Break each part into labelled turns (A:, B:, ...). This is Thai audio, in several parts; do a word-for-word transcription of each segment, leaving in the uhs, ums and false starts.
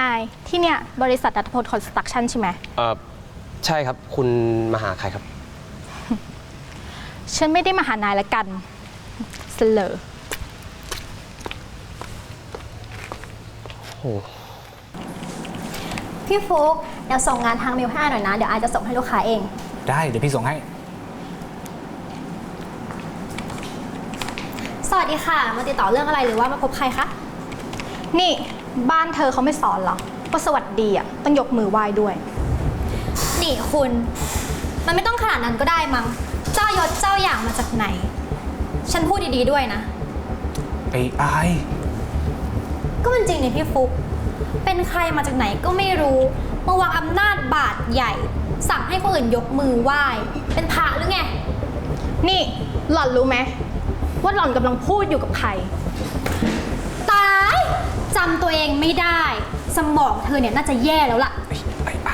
A: ายที่เนี่ยบริษัทนัทพลคอนสตรักชั่นใช่ไหม
B: เออใช่ครับคุณมาหาใครครับ
A: ฉันไม่ได้มาหานายละกันเสลอ
B: โอ้
C: พี่ฟุ๊กเดี๋ยวส่งงานทางเมลให้หน่อยนะเดี๋ยวอาจจะส่งให้ลูกค้าเอง
D: ได้เดี๋ยวพี่ส่งให้
C: สวัสดีค่ะมาติดต่อเรื่องอะไรหรือว่ามาพบใครคะ
A: นี่บ้านเธอเขาไม่สอนหรอว่าสวัสดีอ่ะต้องยกมือไหว้ด้วย
C: นี่คุณมันไม่ต้องขนาดนั้นก็ได้มั้งเจ้ายศเจ้าอย่างมาจากไหนฉันพูดดีๆด้วยนะ
D: ไอ้ไอ
C: ก็มันจริงนี่พี่ฟุ๊กเป็นใครมาจากไหนก็ไม่รู้มาวางอำนาจบาดใหญ่สั่งให้คนอื่นยกมือไหว้เป็นพระหรือไง
A: นี่หล่อนรู้ไหมว่าหล่อนกำลังพูดอยู่กับใคร
C: ตายจำตัวเองไม่ได้สมองเธอเนี่ยน่าจะแย่แล้วล่ะ
D: ไอ้ไอ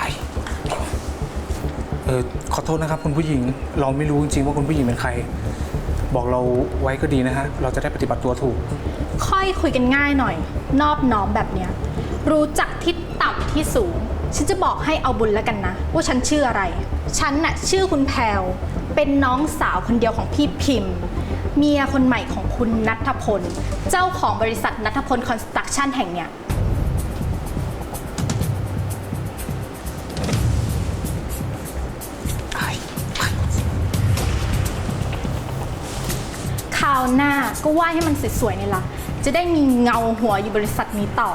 D: เออขอโทษนะครับคุณผู้หญิงเราไม่รู้จริงๆว่าคุณผู้หญิงเป็นใครบอกเราไว้ก็ดีนะฮะเราจะได้ปฏิบัติตัวถูก
A: ค่อยคุยกันง่ายหน่อยนอบน้อมแบบเนี้ยรู้จักที่ต่ำที่สูงฉันจะบอกให้เอาบุญแล้วกันนะว่าฉันชื่ออะไรฉันน่ะชื่อคุณแพรวเป็นน้องสาวคนเดียวของพี่พิมพ์เมียคนใหม่ของคุณณัฐพลเจ้าของบริษัทณัฐพลคอนสตรักชั่นแห่งเนี้ยคราวหน้าก็ไหว้ให้มันสวยๆนี่ล่ะจะได้มีเงาหัวอยู่บริษัทนี้ต่อ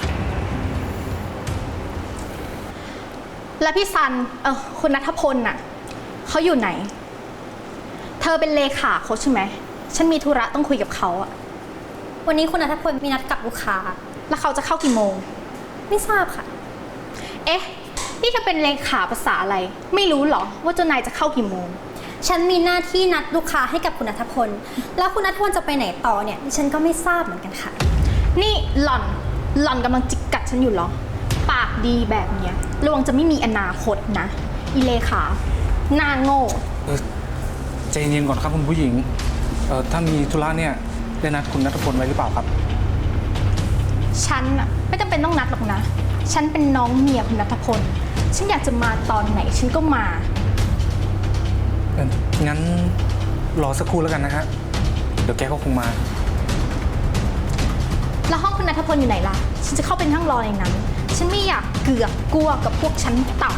A: และพี่ซันเออคุณณัฐพลน่ะเขาอยู่ไหนเธอเป็นเลขาเขาใช่ไหมฉันมีธุระต้องคุยกับเขาอะ
C: วันนี้คุณณัฐพลมีนัดกับลูกค้า
A: แล้วเขาจะเข้ากี่โมง
C: ไม่ทราบค่ะ
A: เอ๊ะนี่เธอเป็นเลขาภาษาอะไรไม่รู้หรอว่าเจ้านายจะเข้ากี่โมง
C: ฉันมีหน้าที่นัดลูกค้าให้กับคุณณัฐพลแล้วคุณณัฐพลจะไปไหนต่อเนี่ยฉันก็ไม่ทราบเหมือนกันค่ะ
A: นี่หล่อนหล่อนกำลังจิกกัดฉันอยู่หรอปากดีแบบเนี้ยระวังจะไม่มีอนาคตนะอีเลขาหน้าโง่
D: เออใจเย็นก่อนครับคุณผู้หญิงเออถ้ามีธุระเนี่ยได้นัดคุณณัฐพลไว้หรือเปล่าครับ
A: ฉันอะไม่จำเป็นต้องนัดหรอกนะฉันเป็นน้องเมียคุณณัฐพลฉันอยากจะมาตอนไหนฉันก็มา
D: เอองั้นรอสักครู่แล้วกันนะฮะเดี๋ยวแกก็คงมา
A: แล้วห้องคุณณัฐพลอยู่ไหนล่ะฉันจะเข้าไปนั่งรอในนั้นฉันไม่อยากเกือกกลัวกับพวกชั้นต่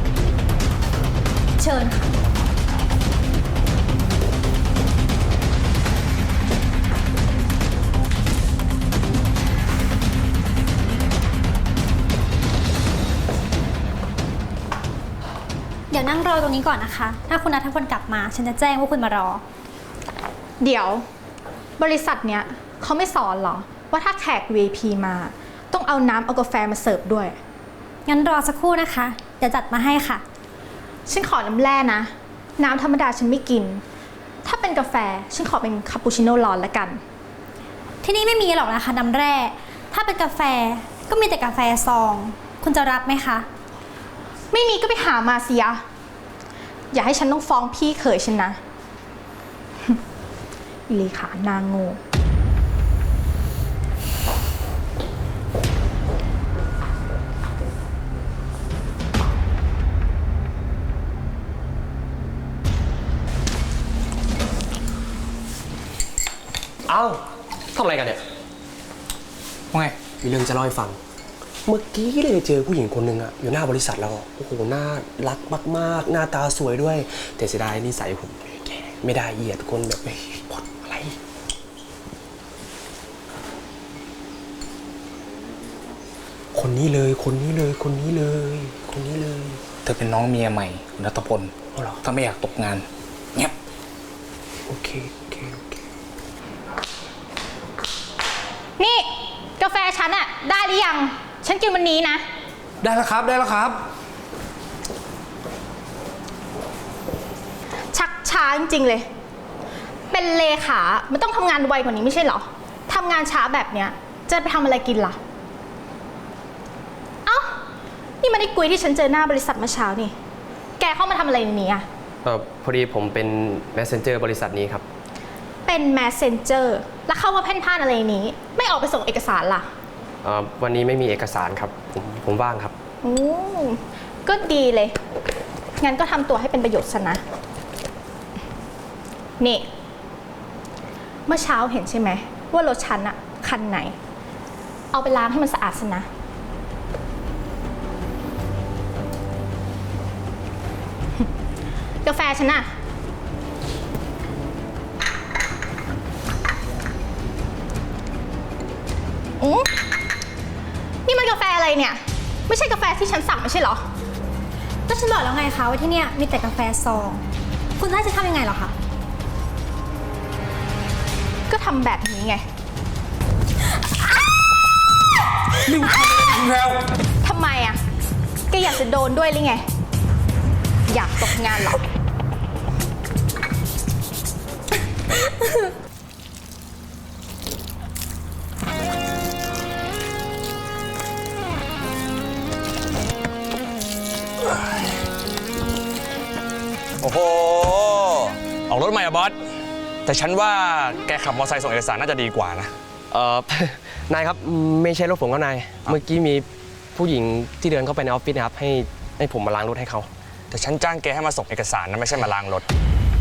C: ำเชิญค่ะเดี๋ยวนั่งรอตรงนี้ก่อนนะคะถ้าคุณณัฐพลกลับมาฉันจะแจ้งว่าคุณมารอ
A: เดี๋ยวบริษัทเนี้ยเขาไม่สอนหรอว่าถ้าแขก วี ไอ พี มาต้องเอาน้ำเอากาแฟมาเสิร์ฟด้วย
C: งั้นรอสักครู่นะคะเดี๋ยวจัดมาให้ค่ะ
A: ฉันขอน้ำแร่นะน้ำธรรมดาฉันไม่กินถ้าเป็นกาแฟฉันขอเป็นคาปูชิโน่ร้อนละกัน
C: ที่นี่ไม่มีหรอกนะคะน้ำแร่ถ้าเป็นกาแฟก็มีแต่กาแฟซองคุณจะรับไหมคะ
A: ไม่มีก็ไปหามาสิยะอย่าให้ฉันต้องฟ้องพี่เขยฉันนะอิเลขานางโง่
B: เอ้าทำอะไรกันเนี่ย
D: ว่าไง
B: มีเรื่องจะเล่าให้ฟังเมื่อกี้เลยเจอผู้หญิงคนหนึ่งอะอยู่หน้าบริษัทเราโอ้โหน่ารักมากๆหน้าตาสวยด้วยแต่เสียดายนิสัยผมแกไม่ได้เหยียดคนแบบพดอะไรคนนี้เลยคนนี้เลยคนนี้เลยคนนี้เลย
D: เธอเป็นน้องเมียใหม่คุณณัฐพลถ้าไม่อยากตกงานเงียบ
B: โอเคโอเคโอเค
A: นี่กาแฟฉันอะได้หรือยังฉันกินวันนี้นะ
D: ได้แล้วครับได้แล้วครับ
A: ชักช้าจริงๆเลยเป็นเลขามันต้องทำงานไวกว่านี้ไม่ใช่เหรอทำงานช้าแบบเนี้ยจะไปทำอะไรกินล่ะเอ้านี่มันไอ้กุยที่ฉันเจอหน้าบริษัทเมื่อเช้านี่แกเข้ามาทำอะไรในนี้อะ
B: เออพอดีผมเป็น messenger บริษัทนี้ครับ
A: เป็น messenger แล้วเข้ามาเพ่นพ่านอะไรในนี้ไม่ออกไปส่งเอกสารล่ะ
B: เอ่อวันนี้ไม่มีเอกสารครับ ผมผมว่างครับ
A: โอ้ก็ดีเลย งั้นก็ทำตัวให้เป็นประโยชน์ซะนะ นี่ เมื่อเช้าเห็นใช่ไหม ว่ารถฉันอะคันไหน เอาไปล้างให้มันสะอาดซะนะ กาแฟฉันอะอืมนี่มันกาแฟอะไรเนี่ย ไม่ใช่กาแฟที่ฉันสั่งไม่ใช่เหรอ
C: ก็ฉันบอกแล้วไงคะว่าที่เนี่ยมีแต่กาแฟซอง คุณจะให้ฉันทำยังไงเหรอคะ
A: ก็ทำแบบนี้ไง
D: นี่คุณแพลว
A: ทำไมอะแกอยากจะโดนด้วยหรือไง อยากตกงานเหรอ
E: โอ้โห ออกรถใหม่อะบอส แต่ฉันว่าแกขับมอเตอร์ไซค์ส่งเอกสารน่าจะดีกว่านะ
B: เอ่อ นายครับไม่ใช่รถผมครับนาย เมื่อกี้มีผู้หญิงที่เดินเข้าไปในออฟฟิศนะครับให้ให้ผมมาล้างรถให้เขา
E: แต่ฉันจ้างแกให้มาส่งเอกสารนะไม่ใช่มาล้างรถ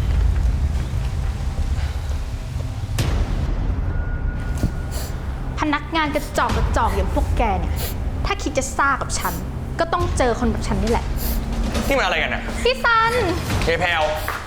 A: พนักงานกระจอกกระจอกอย่างพวกแกเนี่ย ถ้าคิดจะซ่ากับฉัน ก็ต้องเจอคนแบบฉันนี่แหละ
E: นี่มันอะไรกันเนี่ย
A: พี่ซัน
E: เคแพลว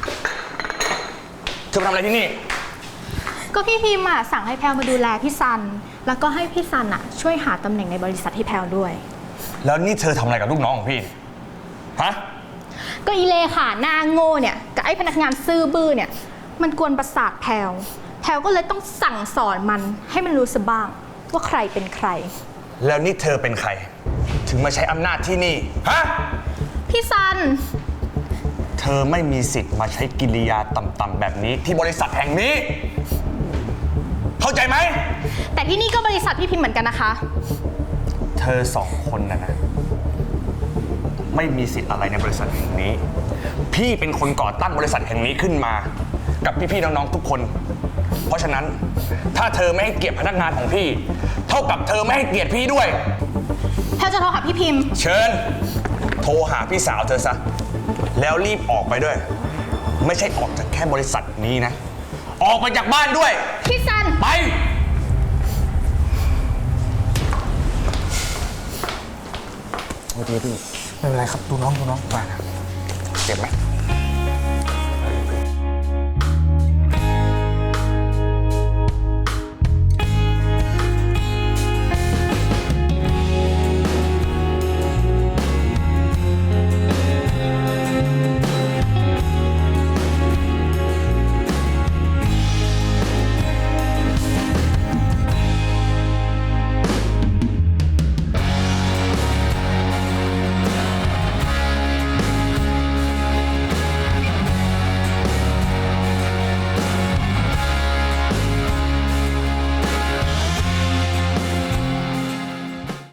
E: เธอมาทำอะไรที่นี่
A: ก็พี่พิมพ์อะสั่งให้แพลวมาดูแลพี่ซัน แล้วก็ให้พี่ซันอะช่วยหาตำแหน่งในบริษัทให้แพลวด้วย
E: แล้วนี่เธอทำอะไรกับลูกน้องของพี่เนี่ยฮะ
A: ก็อีเลขาหน้าโง่เนี่ยกับไอ้พนักงานซื่อบื้อเนี่ย มันกวนประสาทแพลวแพลวก็เลยต้องสั่งสอนมันให้มันรู้ซะบ้างว่าใครเป็นใคร
E: แล้วนี่เธอเป็นใคร ถึงมาใช้อำนาจที่นี่ ฮะ
A: พี่ซัน
E: เธอไม่มีสิทธิ์มาใช้กิริยาต่ำๆแบบนี้ที่บริษัทแห่งนี้ เข้าใจไหม
A: แต่ที่นี่ก็บริษัทพี่พิมพ์เหมือนกันนะคะ
E: เธอสองคนนะนะ ไม่มีสิทธิ์อะไรในบริษัทแห่งนี้ พี่เป็นคนก่อตั้งบริษัทแห่งนี้ขึ้นมา กับพี่ๆน้องๆทุกคน เพราะฉะนั้นถ้าเธอไม่ให้เกียรติพนักงานของพี่ เท่ากับเธอไม่ให้เกียรติพี่ด้วย
A: แพลวจะโทรหาพี่พิมพ์
E: เชิญ โทรหาพี่สาวเธอซะ แล้วรีบออกไปด้วย ไม่ใช่ออกจากแค่บริษัทนี้นะ ออกไปจากบ้านด้วย
A: พี่ซัน
E: ไป
D: ไม่เป็นไรครับดูน้องดูน้องไปนะ
E: เจ็บไหม